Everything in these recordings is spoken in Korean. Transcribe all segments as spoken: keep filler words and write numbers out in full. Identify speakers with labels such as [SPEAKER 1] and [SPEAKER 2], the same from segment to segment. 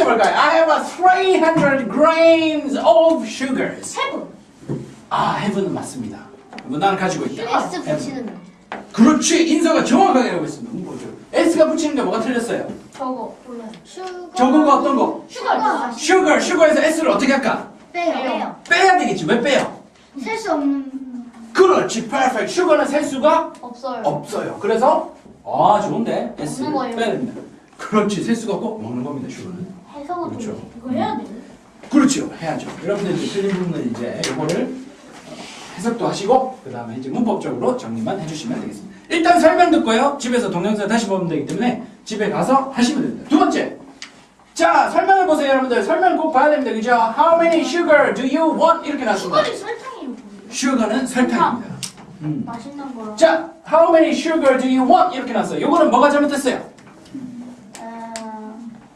[SPEAKER 1] 볼까요? I have a three hundred grams of sugars.
[SPEAKER 2] 세븐.
[SPEAKER 1] 아, have는 맞습니다. 나는 가지고 있다.
[SPEAKER 2] S
[SPEAKER 1] have.
[SPEAKER 2] 붙이는 거.
[SPEAKER 1] 그렇지. 인서가 정확하게 알고 있습니다. 문법죠. S가 붙이는 게 뭐가 틀렸어요?
[SPEAKER 2] 저거 몰라요. 슈거.
[SPEAKER 1] 저거가 어떤 거?
[SPEAKER 2] 슈거.
[SPEAKER 1] sugar, sugar에서 S를 어떻게 할까?
[SPEAKER 2] 빼요.
[SPEAKER 1] 빼야 되겠지. 왜 빼요?
[SPEAKER 2] 셀 수 없는.
[SPEAKER 1] 그렇지. perfect. sugar는 셀 수가
[SPEAKER 2] 없어요.
[SPEAKER 1] 없어요. 그래서 아, 좋은데. S를
[SPEAKER 2] 먹는 거예요.
[SPEAKER 1] 빼야 됩니다. 그렇지. 셀 수가 없고 먹는 겁니다. sugar는.
[SPEAKER 2] 해석은
[SPEAKER 1] 그렇죠.
[SPEAKER 2] 이거 해야 돼.
[SPEAKER 1] 그렇죠. 해야죠. 여러분들 이제 틀린 부분은 이제 이거를 해석도 하시고 그 다음에 이제 문법적으로 정리만 해주시면 되겠습니다. 일단 설명 듣고요. 집에서 동영상 다시 보면 되기 때문에 집에 가서 하시면 됩니다. 두 번째. 자, 설명을 보세요, 여러분들. 설명 꼭 봐야 됩니다. 그죠? How many sugar do you want? 이렇게 나왔습니다.
[SPEAKER 2] 슈거는 설탕이에요.
[SPEAKER 1] sugar는 설탕입니다. 음.
[SPEAKER 2] 맛있는 거랑.
[SPEAKER 1] 자, how many sugar do you want? 이렇게 나왔어요. 요거는 뭐가 잘못됐어요?
[SPEAKER 2] 어...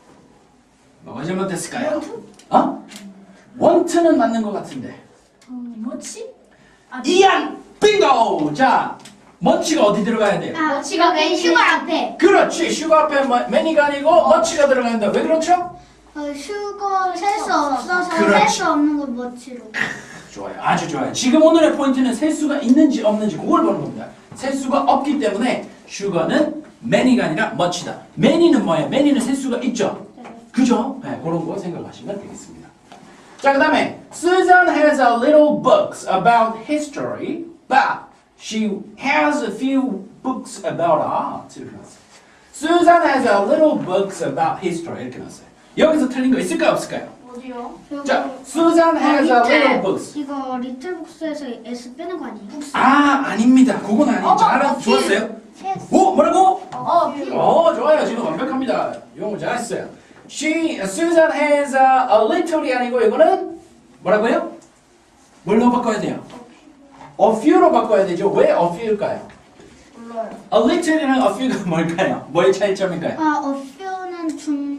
[SPEAKER 1] 뭐가 잘못됐을까요?
[SPEAKER 2] 원투?
[SPEAKER 1] 어? want는 맞는 것 같은데.
[SPEAKER 2] 음, 뭐지? 아,
[SPEAKER 1] 이안! 빙고! 자, 머치가 어디 들어가야 돼요?
[SPEAKER 2] 아, 지가 맨 슈거 앞에.
[SPEAKER 1] 그렇지. 슈거 앞에 뭐, 매니가 아니고 머치가 들어간다. 왜 그렇죠?
[SPEAKER 3] 어, 슈거 셀 수 없어서 셀
[SPEAKER 1] 그렇지.
[SPEAKER 3] 수 없는 걸 멋지로.
[SPEAKER 1] 좋아요. 아주 좋아요. 지금 오늘의 포인트는 셀 수가 있는지 없는지 그걸 보는 겁니다. 셀 수가 없기 때문에 슈거는 매니가 아니라 머치다. 매니는 뭐예요? 매니는 셀 수가 있죠? 그죠? 네, 그런 거 생각하시면 되겠습니다. 자, 그 다음에 Susan has a little books about history, but she has a few books about art. 이렇게 나왔어요. Susan has a little books about history. 이렇게 나왔어요. 여기서 틀린 거 있을까요? 없을까요?
[SPEAKER 2] 어디요?
[SPEAKER 1] 자, Susan has a little books.
[SPEAKER 3] 이거 리틀 북스에서 S 빼는 거 아니에요?
[SPEAKER 1] 아, 아닙니다. 그건 아니죠.
[SPEAKER 2] 어머,
[SPEAKER 1] 알아,
[SPEAKER 2] 어,
[SPEAKER 1] 좋았어요.
[SPEAKER 3] S.
[SPEAKER 1] 오, 뭐라고?
[SPEAKER 2] 어, 필요.
[SPEAKER 1] 어, 좋아요. 지금 완벽합니다. 영어 잘했어요. She, Susan has a, a little이 아니고 이거는 뭐라고요? 뭘로 바꿔야 돼요? A few로 바꿔야 되죠. 왜 a few일까요?
[SPEAKER 2] 몰라요.
[SPEAKER 1] A little이랑 a few가 뭘까요? 뭐의 차이점일까요?
[SPEAKER 3] 아, 어퓨는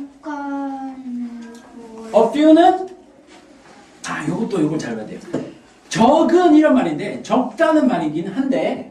[SPEAKER 3] 중간이고.
[SPEAKER 1] A few는 아, 요것도 요걸 잘 봐야 돼요. 적은 이런 말인데 적다는 말이긴 한데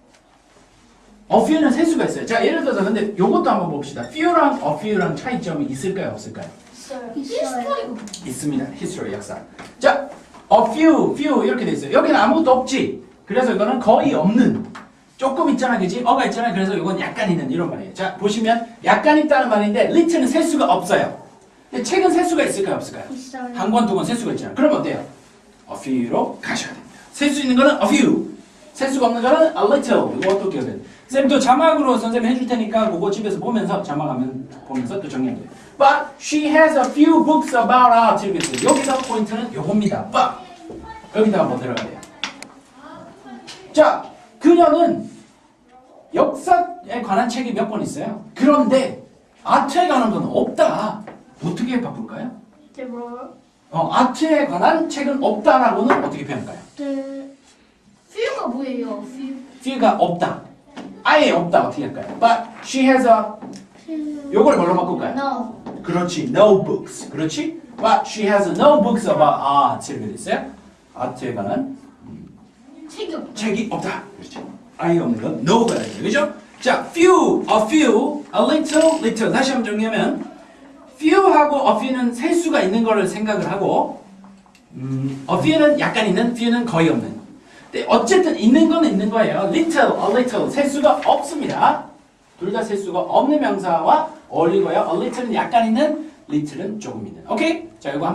[SPEAKER 1] a few는 셀 수가 있어요. 자, 예를 들어서 근데 요것도 한번 봅시다. few랑 a few랑 차이점이 있을까요? 없을까요?
[SPEAKER 2] 있어요.
[SPEAKER 3] 있어요.
[SPEAKER 2] 히스토리고.
[SPEAKER 1] 있습니다. history 역사. 자, a few, few 이렇게 돼 있어요. 여기는 아무것도 없지. 그래서 이거는 거의 없는. 조금 있잖아, 그지? 어가 있잖아. 그래서 이건 약간 있는 이런 말이에요. 자, 보시면 약간 있다는 말인데 little는 셀 수가 없어요. 근데 책은 셀 수가 있을까요, 없을까요?
[SPEAKER 3] 있어요.
[SPEAKER 1] 한 권, 두 권 셀 수가 있잖아요. 그럼 어때요? a few로 가셔야 됩니다. 셀 수 있는 거는 a few. 셀 수가 없는 거는 a little. 이것도 기억해야 돼요. 쌤 또 자막으로 선생님 해줄 테니까 그거 집에서 보면서 자막하면 보면서 또 정리하면 돼요. But she has a few books about art. 이렇게 있어요. 여기서 포인트는 요겁니다. But 여기다가 뭐 들어가야 돼요? 자, 그녀는 역사에 관한 책이 몇 권 있어요. 그런데 아트에 관한 건 없다. 어떻게 바꿀까요?
[SPEAKER 2] 네, 뭐라고요?
[SPEAKER 1] 어, 아트에 관한 책은 없다라고는 어떻게 표현할까요?
[SPEAKER 3] 네.
[SPEAKER 2] 퓨가 뭐예요? 퓨.
[SPEAKER 1] few가 없다. 아예 없다. 어떻게 할까요? But she has a 요걸 뭘로 바꿀까요?
[SPEAKER 2] No.
[SPEAKER 1] 그렇지. No books. 그렇지? But she has no books about art. 이렇게 됐어요. 아트에 관한
[SPEAKER 2] 책이 없다.
[SPEAKER 1] 책이 없다. 그렇죠. 아예 없는 건 no가 되죠. 그죠? 자, few, a few, a little, little. 다시 한번 정리하면 few하고 a few는 셀 수가 있는 거를 생각을 하고 음, a few는 약간 있는, few는 거의 없는. 근데 어쨌든 있는 건 있는 거예요. little, a little. 셀 수가 없습니다. 둘 다 셀 수가 없는 명사와 어울리고요. a little는 약간 있는, little은 조금 있는. 오케이? 자, 이거